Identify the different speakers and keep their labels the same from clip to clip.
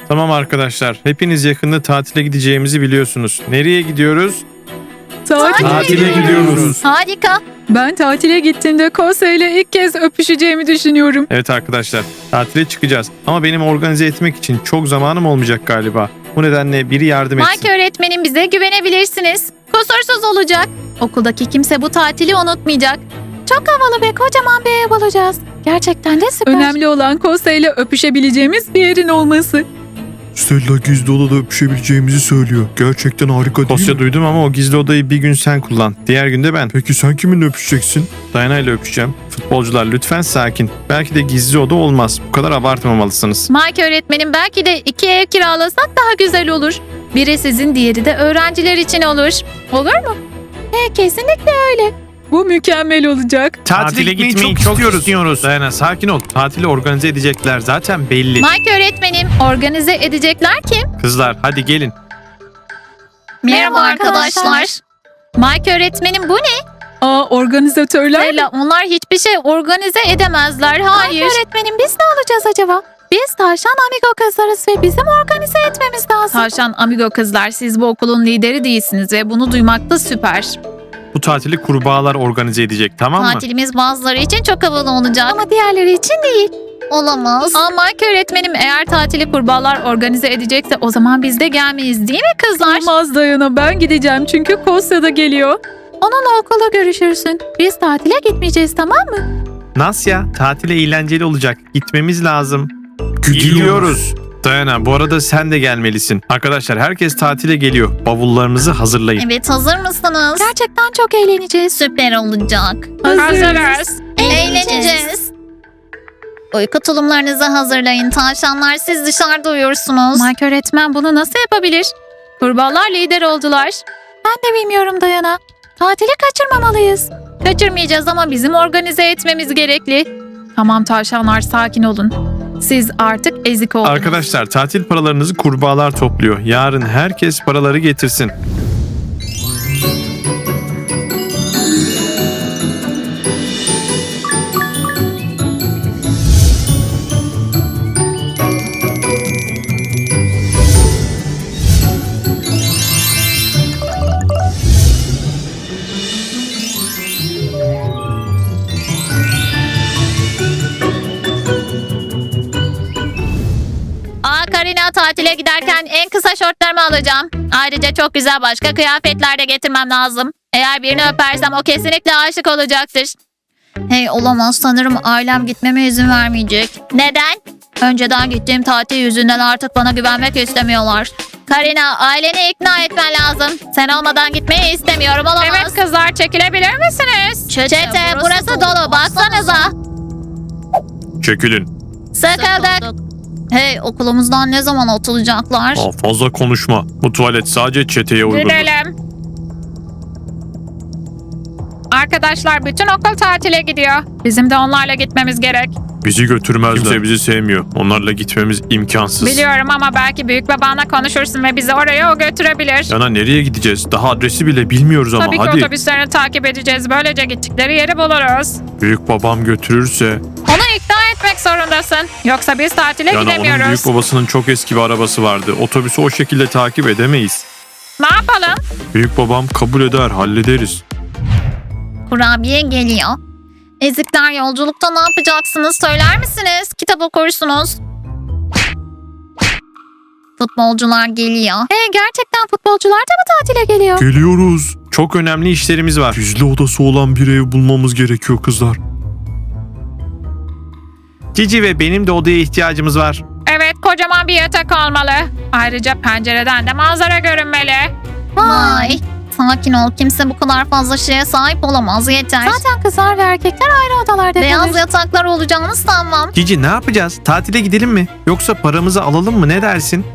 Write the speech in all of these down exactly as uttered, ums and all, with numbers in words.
Speaker 1: Tamam arkadaşlar, hepiniz yakında tatile gideceğimizi biliyorsunuz. Nereye gidiyoruz?
Speaker 2: Tatile,
Speaker 1: Tatile gidiyoruz.
Speaker 3: Harika.
Speaker 2: Ben tatile gittiğimde Kosya ile ilk kez öpüşeceğimi düşünüyorum.
Speaker 1: Evet arkadaşlar, tatile çıkacağız. Ama benim organize etmek için çok zamanım olmayacak galiba. Bu nedenle biri yardım etsin.
Speaker 3: Mike öğretmenim, bize güvenebilirsiniz. Kusursuz olacak. Okuldaki kimse bu tatili unutmayacak. Çok havalı ve kocaman bir ev bulacağız. Gerçekten de süper.
Speaker 2: Önemli olan Kosya ile öpüşebileceğimiz bir yerin olması.
Speaker 4: Stella gizli odada öpüşebileceğimizi söylüyor. Gerçekten harika değil
Speaker 1: Kosya
Speaker 4: mi?
Speaker 1: duydum ama o gizli odayı bir gün sen kullan. Diğer günde ben.
Speaker 4: Peki sen kiminle öpüşeceksin?
Speaker 1: Dayana ile öpüşeceğim. Futbolcular lütfen sakin. Belki de gizli oda olmaz. Bu kadar abartmamalısınız.
Speaker 3: Mike öğretmenim, belki de iki ev kiralasak daha güzel olur. Biri sizin, diğeri de öğrenciler için olur. Olur mu? He, kesinlikle öyle.
Speaker 2: Bu mükemmel olacak.
Speaker 1: Tatile, gitmeyi, çok, istiyoruz. Dayana sakin ol. Tatili organize edecekler zaten belli.
Speaker 3: Mike öğretmenim, organize edecekler kim?
Speaker 1: Kızlar hadi gelin.
Speaker 3: Merhaba arkadaşlar. Mike öğretmenim, bu ne?
Speaker 2: Aa, organizatörler mi?
Speaker 3: Stella, onlar hiçbir şey organize edemezler. Hayır. Mike öğretmenim, biz ne alacağız acaba? Biz Tavşan Amigo kızlarız ve bizim organize etmemiz lazım. Tavşan Amigo kızlar, siz bu okulun lideri değilsiniz ve bunu duymak da süper.
Speaker 1: Bu tatili kurbağalar organize edecek, tamam mı?
Speaker 3: Tatilimiz bazıları için çok havalı olacak. Ama diğerleri için değil. Olamaz. Ama Mike öğretmenim, eğer tatili kurbağalar organize edecekse o zaman biz de gelmeyiz, değil mi kızlar?
Speaker 2: Olmaz Dayana, ben gideceğim çünkü Kosya da geliyor.
Speaker 3: Onunla okulda görüşürsün. Biz tatile gitmeyeceğiz, tamam mı?
Speaker 1: Nasya, tatile eğlenceli olacak. Gitmemiz lazım.
Speaker 4: Gidiyoruz.
Speaker 1: Dayana, bu arada sen de gelmelisin. Arkadaşlar, herkes tatile geliyor. Bavullarınızı hazırlayın.
Speaker 3: Evet, hazır mısınız? Gerçekten çok eğleneceğiz. Süper olacak.
Speaker 2: Hazırız.
Speaker 3: Eğleneceğiz. Uyku tulumlarınızı hazırlayın. Tavşanlar, siz dışarıda uyursunuz. Mike öğretmen bunu nasıl yapabilir? Kurbağalar lider oldular. Ben de bilmiyorum Dayana. Tatili kaçırmamalıyız. Kaçırmayacağız ama bizim organize etmemiz gerekli. Tamam tavşanlar, sakin olun. Siz artık ezik oldunuz.
Speaker 1: Arkadaşlar, tatil paralarınızı kurbağalar topluyor. Yarın herkes paraları getirsin.
Speaker 3: Aa, Karina, tatile giderken en kısa şortlarımı alacağım. Ayrıca çok güzel başka kıyafetler de getirmem lazım. Eğer birini öpersem o kesinlikle aşık olacaktır. Hey, olamaz, sanırım ailem gitmeme izin vermeyecek. Neden? Önceden gittiğim tatil yüzünden artık bana güvenmek istemiyorlar. Karina, aileni ikna etmen lazım. Sen olmadan gitmeyi istemiyorum, olamaz. Evet kızlar, çekilebilir misiniz? Çete, Çete burası, burası dolu, baksanıza.
Speaker 1: Çekilin.
Speaker 3: Sıkıldık. Hey, okulumuzdan ne zaman atılacaklar?
Speaker 1: Aa, fazla konuşma. Bu tuvalet sadece çeteye uygun.
Speaker 5: Gidelim. Arkadaşlar, bütün okul tatile gidiyor. Bizim de onlarla gitmemiz gerek.
Speaker 1: Bizi götürmezler. Kimse bizi sevmiyor. Onlarla gitmemiz imkansız.
Speaker 5: Biliyorum ama belki büyük babanla konuşursun ve bizi oraya o götürebilir.
Speaker 1: Yana nereye gideceğiz? Daha adresi bile bilmiyoruz ama
Speaker 5: Tabii ki
Speaker 1: hadi.
Speaker 5: otobüslerini takip edeceğiz. Böylece gittikleri yeri buluruz.
Speaker 1: Büyük babam götürürse.
Speaker 5: Onu ikna etmek zorundasın. Yoksa biz tatile
Speaker 1: Yani onun
Speaker 5: gidemiyoruz.
Speaker 1: büyük babasının çok eski bir arabası vardı. Otobüsü o şekilde takip edemeyiz.
Speaker 5: Ne yapalım?
Speaker 1: Büyük babam kabul eder, hallederiz.
Speaker 3: Kurabiye geliyor. Ezikler, yolculukta ne yapacaksınız söyler misiniz? Kitap okursunuz. Futbolcular geliyor. Hey, gerçekten futbolcular da mı tatile geliyor?
Speaker 4: Geliyoruz.
Speaker 1: Çok önemli işlerimiz var.
Speaker 4: Gizli odası olan bir ev bulmamız gerekiyor kızlar.
Speaker 1: Cici ve benim de odaya ihtiyacımız var.
Speaker 5: Evet, kocaman bir yatak olmalı. Ayrıca pencereden de manzara görünmeli.
Speaker 3: Vay. Sakin ol, kimse bu kadar fazla şeye sahip olamaz, yeter. Zaten kızlar ve erkekler ayrı odalarda Beyaz yataklar olacağını sanmam.
Speaker 1: Cici ne yapacağız? Tatile gidelim mi? Yoksa paramızı alalım mı? Ne dersin?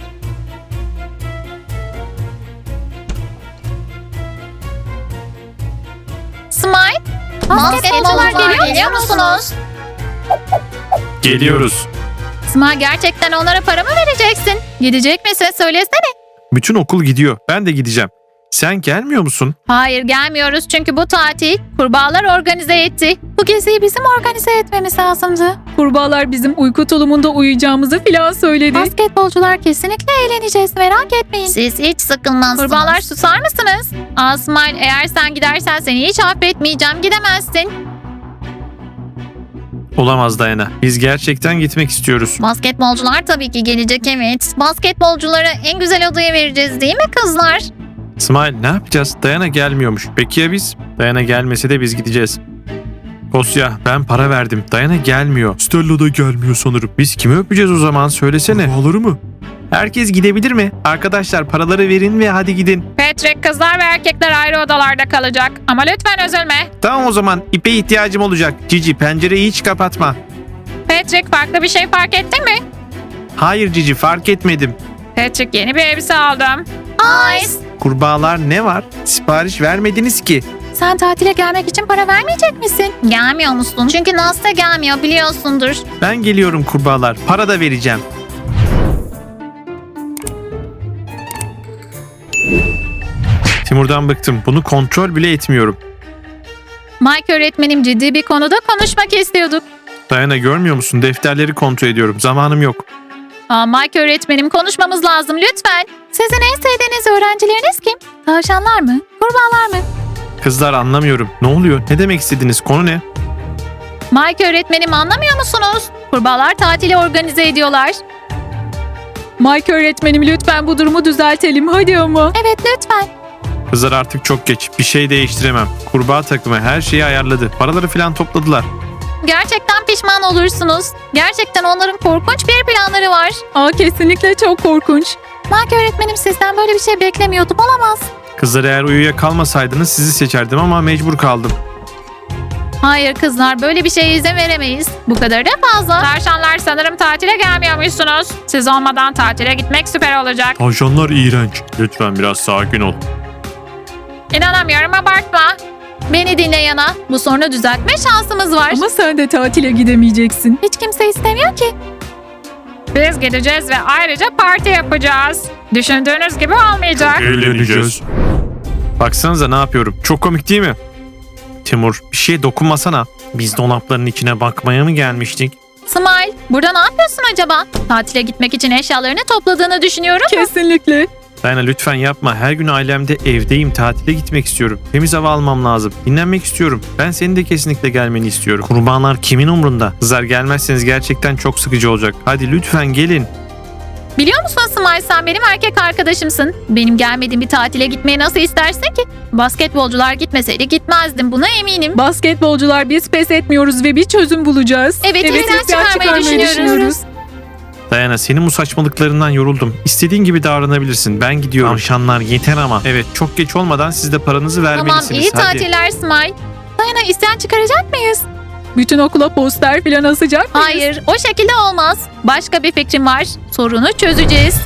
Speaker 3: Smile, basketbolcular geliyor, geliyor musunuz?
Speaker 1: Geliyoruz.
Speaker 3: Smile, gerçekten onlara para mı vereceksin? Gidecek misin? Söylesene.
Speaker 1: Bütün okul gidiyor. Ben de gideceğim. Sen gelmiyor musun?
Speaker 3: Hayır gelmiyoruz çünkü bu tatil kurbağalar organize etti. Bu geziyi bizim organize etmemiz lazımdı.
Speaker 2: Kurbağalar bizim uyku tulumunda uyuyacağımızı filan söyledi.
Speaker 3: Basketbolcular kesinlikle eğleneceğiz, merak etmeyin. Siz hiç sıkılmazsınız. Kurbağalar susar mısınız? Asmail, eğer sen gidersen seni hiç affetmeyeceğim, gidemezsin.
Speaker 1: Olamaz Dayana. Biz gerçekten gitmek istiyoruz.
Speaker 3: Basketbolcular tabii ki gelecek, evet. Basketbolculara en güzel odayı vereceğiz değil mi kızlar?
Speaker 1: Smile, ne yapacağız? Dayana gelmiyormuş. Peki ya biz? Dayana gelmese de biz gideceğiz. Kosya, ben para verdim. Dayana gelmiyor.
Speaker 4: Stella da gelmiyor sanırım.
Speaker 1: Biz kimi öpeceğiz o zaman? Söylesene.
Speaker 4: Kurbağaları mı?
Speaker 1: Herkes gidebilir mi? Arkadaşlar paraları verin ve hadi gidin.
Speaker 5: Patrick, kızlar ve erkekler ayrı odalarda kalacak. Ama lütfen üzülme.
Speaker 1: Tamam o zaman. İpe ihtiyacım olacak. Cici, pencereyi hiç kapatma.
Speaker 5: Patrick, farklı bir şey fark ettin mi?
Speaker 1: Hayır Cici, fark etmedim.
Speaker 5: Patrick, yeni bir elbise aldım.
Speaker 3: Ice,
Speaker 1: Kurbağalar ne var? Sipariş vermediniz ki.
Speaker 3: sen tatile gelmek için para vermeyecek misin? Gelmiyor musun? Çünkü Nasta gelmiyor, biliyorsundur.
Speaker 1: Ben geliyorum kurbağalar. Para da vereceğim. Timur'dan bıktım. Bunu kontrol bile etmiyorum.
Speaker 3: Mike öğretmenim, ciddi bir konuda konuşmak istiyorduk.
Speaker 1: Dayana, görmüyor musun? Defterleri kontrol ediyorum. Zamanım yok.
Speaker 3: Aa, Mike öğretmenim, konuşmamız lazım lütfen. Sizin en sevdiğiniz öğrencileriniz kim? Tavşanlar mı? Kurbağalar mı?
Speaker 1: Kızlar, anlamıyorum. Ne oluyor? Ne demek istediniz? Konu ne?
Speaker 3: Mike öğretmenim, anlamıyor musunuz? Kurbağalar tatili organize ediyorlar.
Speaker 2: Mike öğretmenim, lütfen bu durumu düzeltelim hadi ama.
Speaker 3: Evet lütfen.
Speaker 1: Kızlar, artık çok geç. Bir şey değiştiremem. Kurbağa takımı her şeyi ayarladı. Paraları falan topladılar.
Speaker 3: Gerçekten pişman olursunuz. Gerçekten onların korkunç bir planları var.
Speaker 2: Aa, kesinlikle çok korkunç.
Speaker 3: Mike öğretmenim, sizden böyle bir şey beklemiyordum, olamaz.
Speaker 1: Kızlar, eğer uyuya kalmasaydınız sizi seçerdim ama mecbur kaldım.
Speaker 3: Hayır kızlar, böyle bir şeye izin veremeyiz. Bu kadar da fazla.
Speaker 5: Tavşanlar, sanırım tatile gelmiyormuşsunuz. Siz olmadan tatile gitmek süper olacak.
Speaker 4: Tavşanlar iğrenç.
Speaker 1: Lütfen biraz sakin ol.
Speaker 5: İnanamıyorum, abartma.
Speaker 3: Beni dinle Yana. Bu sorunu düzeltme şansımız var.
Speaker 2: Ama sen de tatile gidemeyeceksin.
Speaker 3: Hiç kimse istemiyor ki.
Speaker 5: Biz gideceğiz ve ayrıca parti yapacağız. Düşündüğünüz gibi olmayacak.
Speaker 4: Eğleneceğiz.
Speaker 1: Baksanıza ne yapıyorum. Çok komik değil mi? Timur, bir şeye dokunmasana. Biz dolapların içine bakmaya mı gelmiştik?
Speaker 3: Smile, burada ne yapıyorsun acaba? Tatile gitmek için eşyalarını topladığını düşünüyorum.
Speaker 2: Kesinlikle.
Speaker 1: Dayana, lütfen yapma. Her gün ailemde evdeyim. Tatile gitmek istiyorum. Temiz hava almam lazım. Dinlenmek istiyorum. Ben senin de kesinlikle gelmeni istiyorum. Kurbağalar kimin umrunda? Kızlar, gelmezseniz gerçekten çok sıkıcı olacak. Hadi lütfen gelin.
Speaker 3: Biliyor musun Smile, sen benim erkek arkadaşımsın. Benim gelmediğim bir tatile gitmeyi nasıl istersin ki? Basketbolcular gitmeseydi gitmezdim, buna eminim.
Speaker 2: Basketbolcular, biz pes etmiyoruz ve bir çözüm bulacağız.
Speaker 3: Evet, isyan çıkarmayı düşünüyoruz.
Speaker 1: Dayana, senin bu saçmalıklarından yoruldum. İstediğin gibi davranabilirsin. Ben gidiyorum. Tavşanlar yeter ama. Evet, çok geç olmadan siz de paranızı
Speaker 3: Tamam,
Speaker 1: vermelisiniz.
Speaker 3: iyi
Speaker 1: Hadi.
Speaker 3: tatiller Smile. Dayana, isyan çıkaracak mıyız?
Speaker 2: Bütün okula poster falan asacak mıyız?
Speaker 3: Hayır, o şekilde olmaz. Başka bir fikrim var. Sorunu çözeceğiz.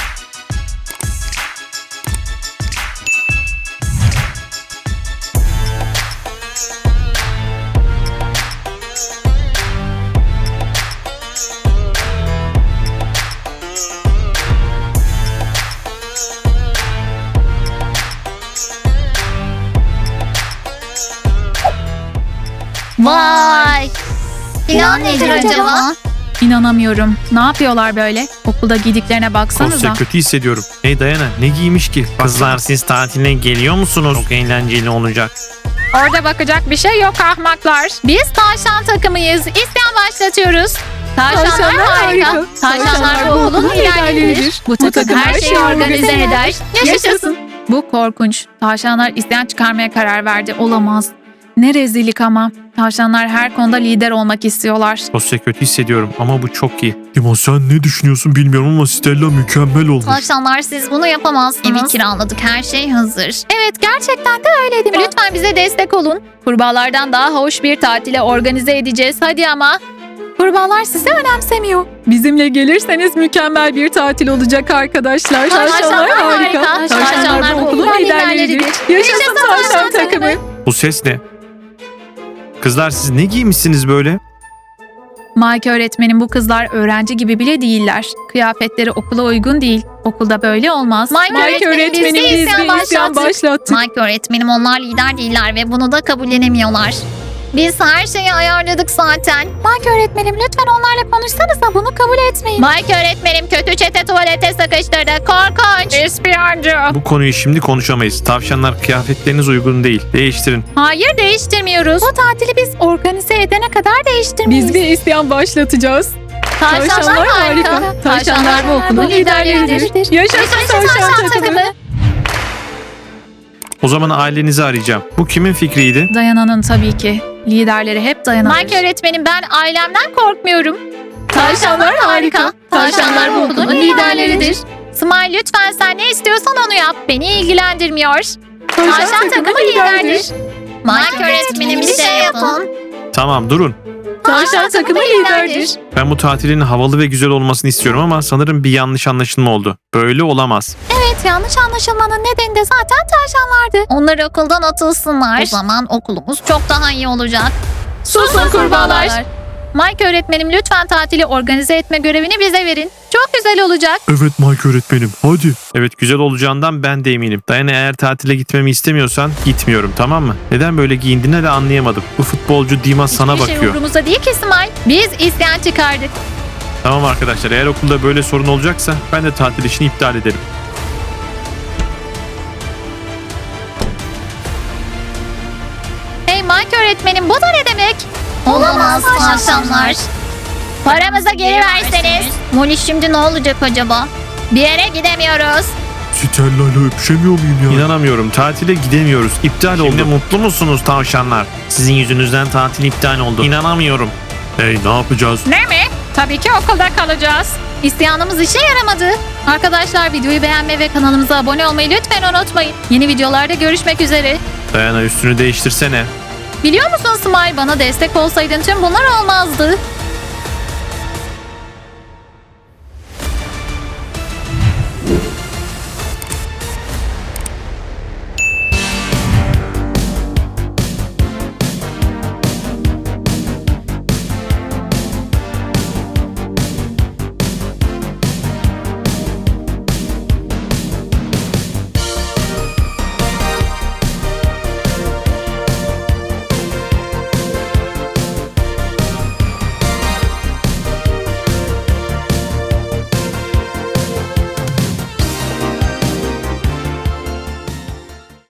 Speaker 3: Vay! Plan nedir acaba? İnanamıyorum. Ne yapıyorlar böyle? Okulda giydiklerine baksanıza.
Speaker 1: Kostya, kötü hissediyorum. Hey Dayana, ne giymiş ki? Kızlar, siz tatiline geliyor musunuz? Çok eğlenceli olacak.
Speaker 5: Orada bakacak bir şey yok ahmaklar.
Speaker 3: Biz tavşan takımıyız. İsyan başlatıyoruz. Tavşanlar,
Speaker 2: Tavşanlar
Speaker 3: harika.
Speaker 2: harika.
Speaker 3: Tavşanlar bu okulun liderleridir. Bu takım her şeyi organize eder. Yaşasın.
Speaker 2: Bu korkunç. Tavşanlar isyan çıkarmaya karar verdi. Olamaz. Ne rezillik ama. Tavşanlar her konuda lider olmak istiyorlar.
Speaker 1: Kostya, kötü hissediyorum ama bu çok iyi.
Speaker 4: Dima, sen ne düşünüyorsun bilmiyorum ama Stella mükemmel olmuş.
Speaker 3: Tavşanlar, siz bunu yapamazsınız. Evi kiraladık, her şey hazır. Evet, gerçekten de öyle değil mi? Lütfen bize destek olun. Kurbağalardan daha hoş bir tatile organize edeceğiz. Hadi ama. Kurbağalar sizi önemsemiyor.
Speaker 2: Bizimle gelirseniz mükemmel bir tatil olacak arkadaşlar.
Speaker 3: Tavşanlar harika. Tavşanlar bu okulun liderleridir.
Speaker 2: Yaşasın tavşan takımı.
Speaker 1: Bu ses ne? Kızlar, siz ne giymişsiniz böyle?
Speaker 2: Mike öğretmenim, bu kızlar öğrenci gibi bile değiller. Kıyafetleri okula uygun değil. Okulda böyle olmaz.
Speaker 3: Mike, öğretmenim, biz de isyan başlattık.
Speaker 2: başlattık.
Speaker 3: Mike öğretmenim, onlar lider değiller ve bunu da kabullenemiyorlar. Biz her şeyi ayarladık zaten.
Speaker 2: Mike öğretmenim, lütfen onlarla konuşsanıza, bunu kabul etmeyin.
Speaker 3: Mike öğretmenim kötü çete tuvalete sıkıştırdı. Korkunç.
Speaker 5: İspiyoncuk.
Speaker 1: Bu konuyu şimdi konuşamayız. Tavşanlar, kıyafetleriniz uygun değil. Değiştirin.
Speaker 3: Hayır, değiştirmiyoruz.
Speaker 2: Bu tatili biz organize edene kadar değiştirmeyiz.
Speaker 6: Biz bir isyan başlatacağız.
Speaker 3: Tavşanlar harika.
Speaker 6: Tavşanlar bu okulun liderleridir. Yaşasın tavşan takımı.
Speaker 1: O zaman ailenizi arayacağım. Bu kimin fikriydi?
Speaker 2: Dayana'nın tabii ki. Liderleri hep Dayana'dır.
Speaker 3: Mike öğretmenim, ben ailemden korkmuyorum.
Speaker 6: Tavşanlar harika. Tavşanlar bu okulun liderleridir.
Speaker 3: Smile, lütfen sen ne istiyorsan onu yap. Beni ilgilendirmiyor.
Speaker 6: Tavşan
Speaker 3: Tavşan takımı liderdir. Mike öğretmenim, bir şey yapın.
Speaker 1: Tamam, durun.
Speaker 6: Tavşan takımı liderdir.
Speaker 1: Ben bu tatilin havalı ve güzel olmasını istiyorum ama sanırım bir yanlış anlaşılma oldu. Böyle olamaz.
Speaker 2: Evet, yanlış anlaşılmanın nedeni de zaten tavşanlardı.
Speaker 3: Onlar okuldan atılsınlar. O zaman okulumuz çok daha iyi olacak.
Speaker 6: Susun kurbağalar.
Speaker 3: Mike öğretmenim, lütfen tatili organize etme görevini bize verin. Çok güzel olacak.
Speaker 4: Evet Mike öğretmenim, hadi.
Speaker 1: Evet, güzel olacağından ben de eminim. Dayana, eğer tatile gitmemi istemiyorsan gitmiyorum, tamam mı? Neden böyle giyindiğini de anlayamadım. Bu futbolcu Dima sana
Speaker 3: Hiçbir şey
Speaker 1: bakıyor.
Speaker 3: umurumuzda değil ki Smile. Biz isyan çıkardık.
Speaker 1: Tamam arkadaşlar, eğer okulda böyle sorun olacaksa ben de tatil işini iptal ederim.
Speaker 3: Hey Mike öğretmenim, bu da ne demek? Olamaz tavşanlar. Paramızı geri verseniz. Molly, şimdi ne olacak acaba? Bir yere gidemiyoruz.
Speaker 4: Stella'yla öpüşemiyor muyum ya?
Speaker 1: İnanamıyorum, tatile gidemiyoruz. İptal oldu. Şimdi mutlu musunuz tavşanlar? Sizin yüzünüzden tatil iptal oldu. İnanamıyorum.
Speaker 4: Hey, ne yapacağız?
Speaker 5: Ne mi? Tabii ki okulda kalacağız.
Speaker 3: İsyanımız işe yaramadı. Arkadaşlar, videoyu beğenmeyi ve kanalımıza abone olmayı lütfen unutmayın. Yeni videolarda görüşmek üzere.
Speaker 1: Dayana, üstünü değiştirsene.
Speaker 3: Biliyor musun Smile, bana destek olsaydın tüm bunlar olmazdı.